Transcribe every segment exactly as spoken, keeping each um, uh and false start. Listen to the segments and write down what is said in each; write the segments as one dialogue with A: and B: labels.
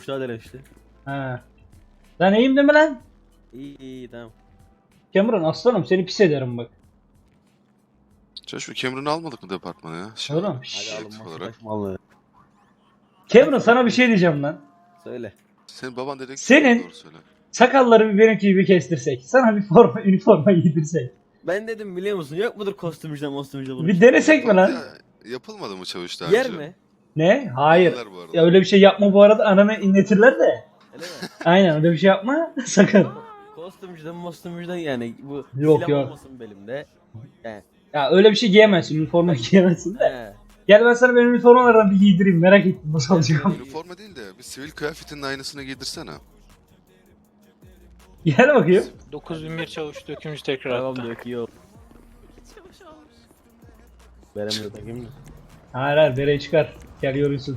A: Müsaade işte.
B: Ha. Lan iyiyim değil mi lan?
A: İyi iyi tamam.
B: Cameron aslanım seni pis ederim bak.
C: Şu Cameron'ı almadık mı departmana ya? Şey
B: Oğlum.
A: Hadi
C: şey
A: alın masa
C: olarak.
A: taşmalı.
B: Cameron sana bir şey diyeceğim lan.
A: Söyle.
C: Senin baban dedektif.
B: Senin-
C: Doğru söyle.
B: Sakalları bir benimki gibi kestirsek. Sana bir forma, üniforma giydirsek.
A: Ben dedim biliyor musun yok mudur kostümcüde mostümcüde bunu.
B: Bir denesek mi lan?
C: Ya, yapılmadı mı çavuş daha
A: Yer
C: önce?
A: mi?
B: Ne? Hayır.
C: Yerler bu arada.
B: Ya öyle bir şey yapma bu arada ananı inletirler de.
A: Öyle mi?
B: Aynen öyle bir şey yapma. Sakın.
A: Kostümcüden mostümcüden yani bu
B: Yok,
A: silah
B: yok.
A: olmasın belimde. He.
B: Ya öyle bir şey giyemezsin. Üniforma giyemezsin de.
A: He.
B: Gel ben sana benim üniformalardan bir giydireyim. Merak ettim nasıl olacak.
C: Üniforma değil de bir sivil kıyafetinin aynısını giydirsene.
B: Gel bakayım.
D: dokuz bin bir çavuş dökümcü tekrar
A: Tamam
D: attı.
A: diyor ki yok. Veremiyor takayım mı?
B: Hayır hayır bereyi çıkar. Gel yorulsun.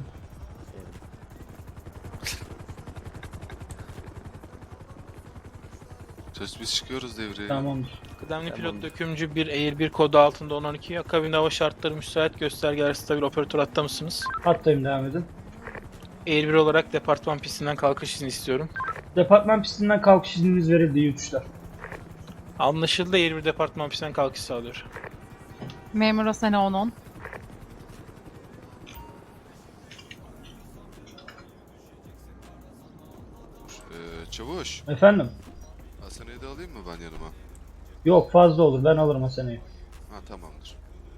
C: Söz biz çıkıyoruz devreye.
B: Tamamdır.
D: Kıdemli
A: Tamam.
D: pilot dökümcü bir Air bir kodu altında on on iki. Akabinde hava şartları müsait, göstergeler stabil, operatör hatta mısınız?
B: Hattayım devam edin.
D: Air bir olarak departman pistinden kalkış izni istiyorum.
B: Departman pistinden kalkış izniniz verildi iyi uçuşlar.
D: Anlaşıldı, Air bir departman pistinden kalkış sağlıyor.
E: Memura sene on on.
C: Ee, çavuş.
B: Efendim?
C: Hasan'ı da alayım mı ben yanıma?
B: Yok fazla olur ben alırım o seneyi.
C: Ha tamamdır.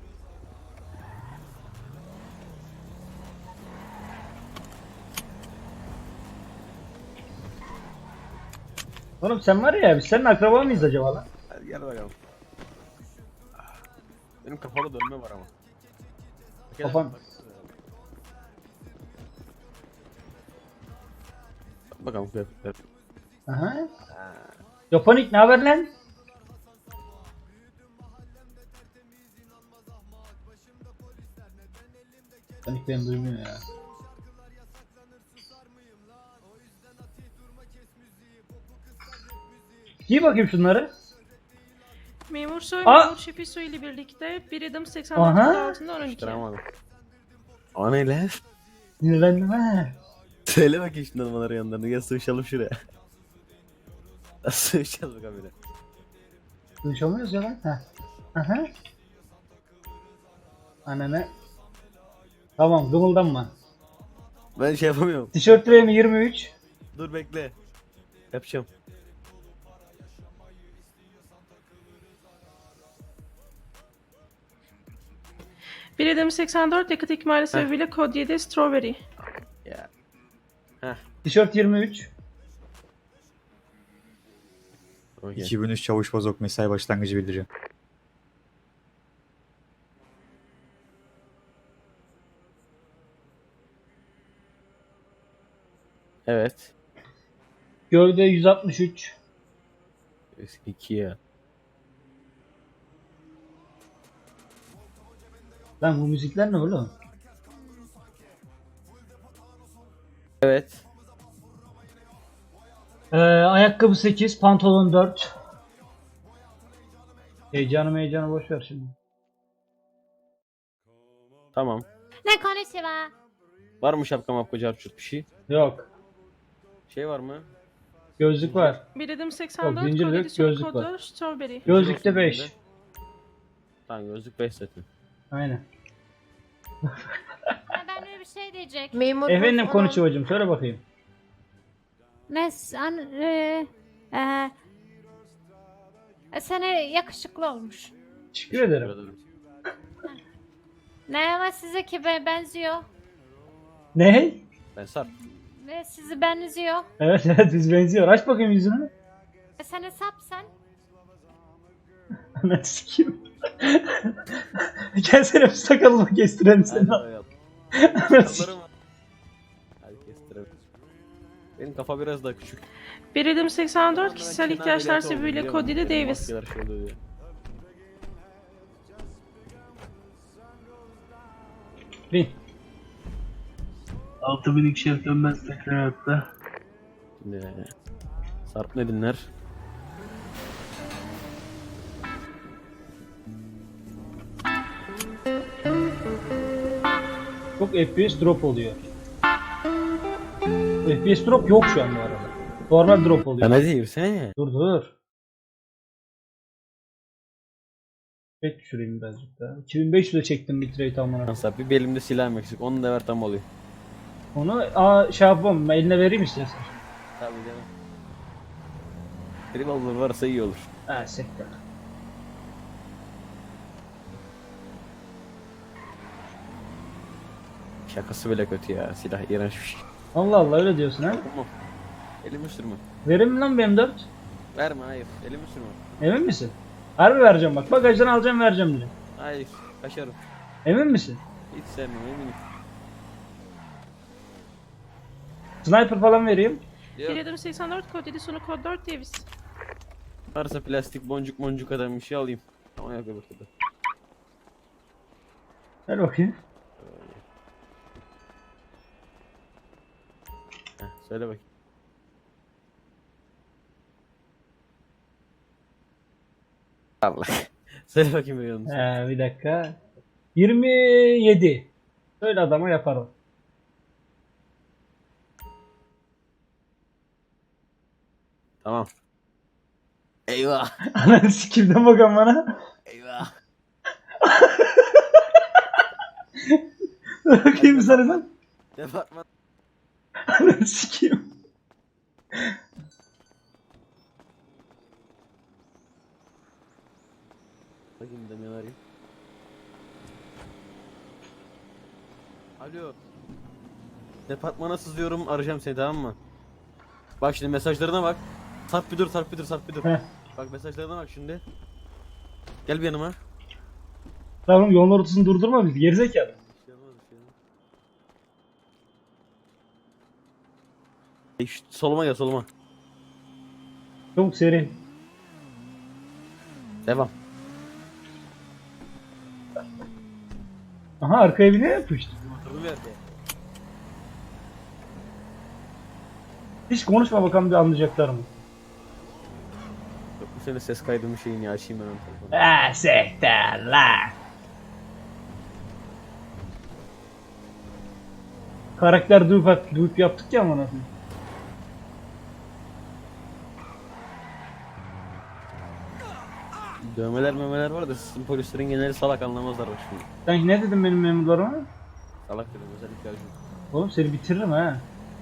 B: Oğlum sen var ya biz senin akraba mıyız acaba lan?
A: Hadi gel bakalım. Benim kafada dönme var ama. Gel,
B: Kafan-
A: bak. Bak bakalım kıyafetler.
B: Aha. Japonik ne haber lan? Japonik beni duymuyor ya. Giy bakayım şunları.
F: Memur Soy,
B: Aa!
F: Memur Şefi Soy ile birlikte bir adım seksen
B: Aha!
F: dört altında on iki.
A: Tutturamadım. O ne lan?
B: Sinirlendim ha.
A: Söyle bakayım şimdi numaraları yanlarına. Gel sığışalım şuraya. Sığışacağız bakalım bile.
B: Konuşamıyoruz ya lan. Heh. Aha. Ananı. Tamam gımıldanma.
A: Ben şey yapamıyorum.
B: Tişört reyimi yirmi üç.
A: Dur bekle. Yapacağım.
F: Bir adım seksen dört yakıt ikmali sebebiyle kod yedi Strawberry.
A: Ya.
B: Tişört yirmi üç.
A: Okay.
G: iki bin üç Çavuş Bozok mesai başlangıcı bildiriyor.
A: Evet.
B: Gövde yüz altmış üç.
A: Eski iki ya.
B: Lan bu müzikler ne oğlum?
A: Evet.
B: Ee, ayakkabı sekiz, pantolon dört. Heyecanı heyecanı boş ver şimdi.
A: Tamam.
H: Ne konnichiwa.
A: Var mı şapka mapka carçurt bir şey?
B: Yok.
A: Şey var mı?
B: Gözlük var.
F: Bir adım
B: Yok,
F: seksen dört
B: zincir
F: kod
B: yok,
F: yedi son
B: gözlük var.
F: kodu Strawberry.
B: Gözlükte
A: olsun
B: beş.
A: bende. Tamam gözlük beş zaten.
B: Aynen.
H: Ha, ben öyle bir şey diyecek.
E: Memur
B: Efendim konuşucum söyle bakayım.
H: Ne sen e, e, e, sana yakışıklı olmuş.
B: Teşekkür ederim.
A: ederim.
H: Ne ama size ki be- benziyor.
B: Ne?
A: Ben Sarp.
H: Ve sizi benziyor.
B: Evet evet biz benziyor. Aç bakayım yüzünü.
H: E, sen hesap sen.
B: Ananı sikeyim. Gelsene bir sakalımı kestirelim
A: Hadi
B: seni.
A: bakalım.
B: Ananı sikeyim.
A: Sakallarım var. Hadi kestirelim. Benim kafa biraz daha küçük.
F: Bir adım seksen dört kişisel
A: Ben
F: ihtiyaçlar
A: ameliyatı oldum,
F: sebebiyle
A: biliyor
F: kod
A: musun?
F: yedi
A: Benim
F: Davis.
A: maskeler şey oluyor diye.
B: Bin.
I: altı bin ikişer dönmez tekrar hatta.
A: Şimdi Sarp ne dinler?
B: Çok F P S drop oluyor. F P S drop yok şu an bu arada. Normal drop oluyor.
A: Sen hadi yürüsene.
B: Dur dur. Evet düşüreyim birazcık daha. iki bin beş yüze çektim bitrate amına.
A: Nasıl bir belimde silahım eksik. Onu da ver tam oluyor.
B: Onu aa, şey yapmam. Eline vereyim istersen.
A: Tabii canım. Revolver varsa iyi olur.
B: Ha sektör.
A: Şakası bile kötü ya. Silah iğrenç bir şey.
B: Allah Allah öyle diyorsun ha.
A: Tamam. Elimi sürme.
B: Verir mi lan B M dört?
A: Verme hayır. Elimi sürme.
B: Emin misin? Harbi vereceğim bak. Bagajdan alacağım vereceğim direkt.
A: Hayır. Kaçarım.
B: Emin misin?
A: Hiç sevmem eminim.
B: Sniper falan vereyim.
A: Yok.
F: Bir adım seksen dört kod yedi sonu kod dört Davis.
A: Varsa plastik boncuk boncuk adam bir şey alayım. Ama yok öbür türlü.
B: Ver bakayım.
A: Heh, söyle bakayım. Allah. Söyle bakayım bir yalnız.
B: Ee, bir dakika. yirmi yedi. Söyle adama yaparım.
A: Tamam. Eyvah.
B: Ananı sikimden bakan bana.
A: Eyvah.
B: Bakayım sana lan.
A: Departman.
B: Ananı sikeyim.
A: Bakayım da ne arayayım. Alo. Departmana sızıyorum, arayacağım seni, tamam mı? Bak şimdi mesajlarına bak. Sarp bir dur, sarp bir dur, sarp bir dur.
B: Heh.
A: Bak mesajlarına bak şimdi. Gel bir yanıma.
B: Tamam yolun ortasını durdurma bizi gerizekalı.
A: Bir şey olmaz, bir şey olmaz. Ey, şu soluma gel, soluma.
B: Çabuk seri.
A: Devam.
B: Aha arkaya bir ne yapıştı?
A: Motoru verdi.
B: Hiç konuşma bakalım bir anlayacaklar mı?
A: Yok, bu senin ses kaydımı şeyini ya, açayım ben onu telefonu.
B: Eee sektör lan. Karakter dupe, dupe yaptık ya amına koyayım.
A: Dövmeler memeler var da sizin polislerin geneli salak, anlamazlar bak şimdi.
B: Sen ne dedin benim memurlarıma?
A: Salak dedim özellikle acı.
B: Oğlum seni bitiririm ha.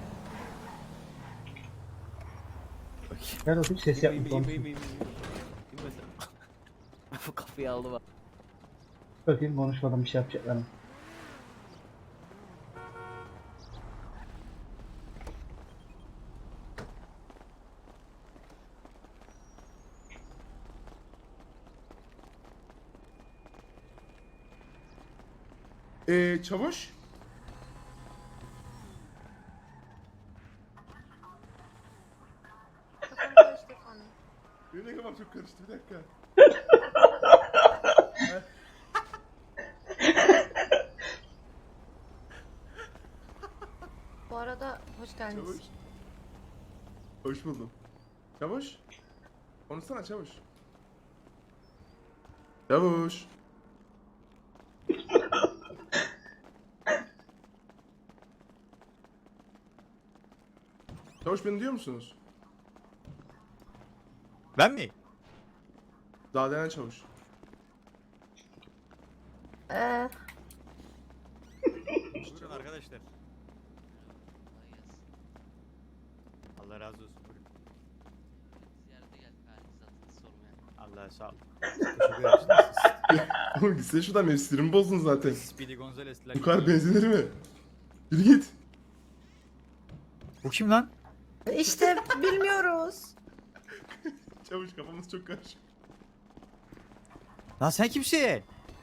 A: Bak.
B: Gel bakayım ses yapma.
A: İyiyim,
B: konuş.
A: iyiyim, iyiyim, iyiyim. İyiyim mesela. Bu kapıyı aldı bak.
B: Bakayım konuşmadan bir şey yapacaklar mı?
J: Eee çavuş? Benim de kafam çok karıştı, bir dakika.
H: Bu arada hoş geldiniz.
J: Çavuş. Hoş buldum. Çavuş. Konuşsana çavuş. Çavuş. Çavuş beni duyuyor musunuz?
G: Ben mi?
J: Daha denen çavuş.
H: Ee,
G: Buyurun arkadaşlar. Allah razı olsun. Buyurun. Allah sağ ol. Teşekkür ederim.
J: Oğlum gitsene şuradan, benim sinirimi bozdun zaten.
G: Speedy Gonzales.
J: Bu kadar benzinir mi? Yürü git.
G: Bu kim lan?
K: İşte bilmiyoruz.
J: Çavuş kafamız çok karışık.
G: Lan sen kimsin?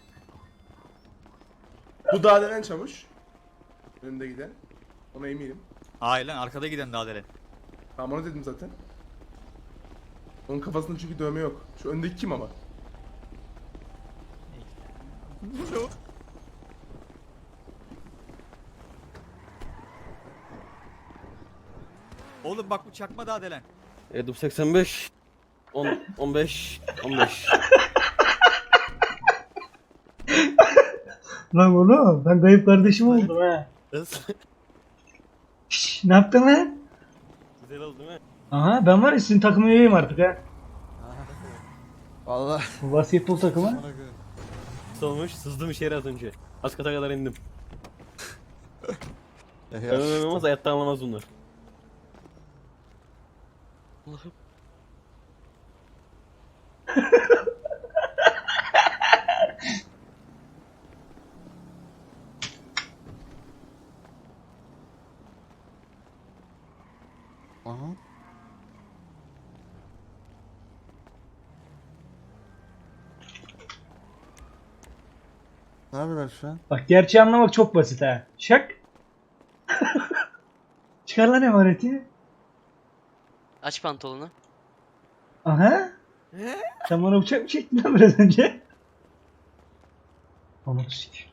J: Bu daha denen çavuş. Önümde giden. Ona eminim.
G: Hayır lan, arkada giden daha delen.
J: Tamam onu dedim zaten. Onun kafasında çünkü dövme yok. Şu öndeki kim ama?
G: Oğlum bak bu çakma daha delen.
A: Edum seksen beş. on, on beş. on beş.
B: Lan oğlum ben kayıp kardeşim oldum ha.
A: Nasıl?
B: Şşş ne yaptın lan?
A: Güzel oldu değil mi?
B: Aha ben var ya sizin takım üyeyim artık ha.
L: Vallahi.
B: Bu basketbol takımı.
A: Kısa olmuş. Sızdım içeri az önce. Az kata kadar indim. Ölmem olmaz hayatta anlamaz bunlar.
L: Aha. Ne yapıyorlar şu an?
B: Bak gerçeği anlamak çok basit ha. Şak. Çıkar lan emaneti.
M: Aç pantolonu.
B: Aha. Sen bana bıçak mı çektin lan biraz önce? Anladım sik.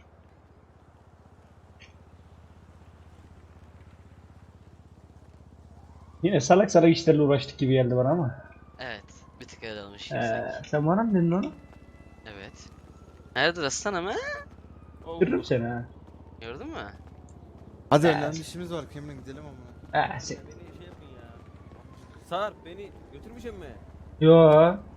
B: Yine salak salak işlerle uğraştık gibi geldi bana ama.
M: Evet. Bir tık öyle olmuş.
B: Ee, sen bana mı dedin onu?
M: Evet. Nerede aslan ama?
B: Görürüm seni ha.
M: Gördün mü?
L: Hadi
B: Ee,
L: önemli işimiz var. Cameron gidelim ama.
B: Ha sen.
A: Beni şey yapın ya. Sarp beni götürmeyecek mi?
B: Yo.